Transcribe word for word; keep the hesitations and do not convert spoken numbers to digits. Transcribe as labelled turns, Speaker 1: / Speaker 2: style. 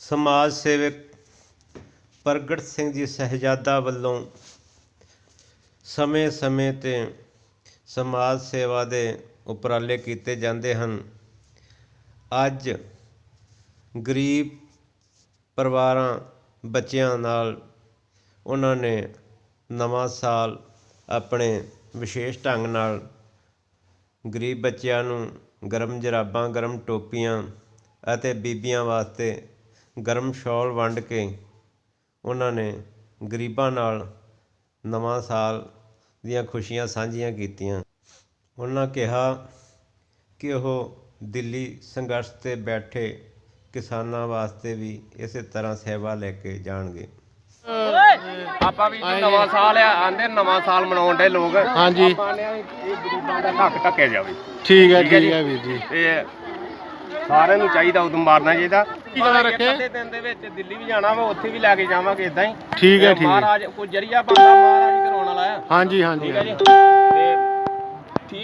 Speaker 1: समाज सेवक प्रगट सिंह जी साहिबजादा ਵੱਲੋਂ ਸਮੇਂ ਸਮੇਂ 'ਤੇ ਸਮਾਜ ਸੇਵਾ ਦੇ ਉਪਰਾਲੇ ਕੀਤੇ ਜਾਂਦੇ ਹਨ। ਅੱਜ ਗਰੀਬ ਪਰਿਵਾਰਾਂ ਬੱਚਿਆਂ ਨਾਲ ਉਹਨਾਂ ਨੇ ਨਵਾਂ ਸਾਲ ਆਪਣੇ ਵਿਸ਼ੇਸ਼ ਢੰਗ ਨਾਲ ਗਰੀਬ ਬੱਚਿਆਂ ਨੂੰ ਗਰਮ ਜਰਾਬਾਂ, ਗਰਮ ਟੋਪੀਆਂ ਅਤੇ ਬੀਬੀਆਂ ਵਾਸਤੇ ਗਰਮ ਸ਼ਾਲ ਵੰਡ ਕੇ ਉਹਨਾਂ ਨੇ ਗਰੀਬਾਂ ਨਾਲ ਨਵਾਂ ਸਾਲ ਦੀਆਂ ਖੁਸ਼ੀਆਂ ਸਾਂਝੀਆਂ ਕੀਤੀਆਂ। ਉਹਨਾਂ ਕਿਹਾ ਕਿ ਉਹ ਦਿੱਲੀ ਸੰਘਰਸ਼ 'ਤੇ ਬੈਠੇ ਕਿਸਾਨਾਂ ਵਾਸਤੇ ਵੀ ਇਸੇ ਤਰ੍ਹਾਂ ਸੇਵਾ ਲੈ ਕੇ ਜਾਣਗੇ।
Speaker 2: ਆਪਾਂ ਵੀ ਨਵਾਂ ਸਾਲ ਆ ਆਂਦੇ ਨਵਾਂ ਸਾਲ ਮਨਾਉਣ ਦੇ ਲੋਕ।
Speaker 3: ਹਾਂਜੀ,
Speaker 2: ਆਪਾਂ ਨੇ ਇਹ ਗਰੀਬਾਂ ਦਾ ਹੱਕ ਢੱਕਿਆ ਜਾਵੇ।
Speaker 3: ਠੀਕ ਹੈ ਠੀਕ ਹੈ ਵੀਰ ਜੀ।
Speaker 2: ਤੇ ਸਾਰਿਆਂ ਨੂੰ ਚਾਹੀਦਾ ਉਦੋਂ ਮਾਰਨਾ ਚਾਹੀਦਾ।
Speaker 3: ਕੀ ਗੱਲ ਰੱਖੇ
Speaker 2: ਅੱਧੇ ਦਿਨ ਦੇ ਵਿੱਚ ਦਿੱਲੀ ਵੀ ਜਾਣਾ ਵਾ, ਉੱਥੇ ਵੀ ਲੈ ਕੇ ਜਾਵਾਂਗੇ ਇਦਾਂ ਹੀ।
Speaker 3: ਠੀਕ ਹੈ ਠੀਕ ਹੈ।
Speaker 2: ਮਹਾਰਾਜ ਕੋਈ ਜਰੀਆ ਬੰਦਾ ਮਹਾਰਾਜ ਕਰਾਉਣ ਵਾਲਾ ਆ।
Speaker 3: ਹਾਂਜੀ ਹਾਂਜੀ
Speaker 2: ਠੀਕ ਹੈ ਜੀ। ਤੇ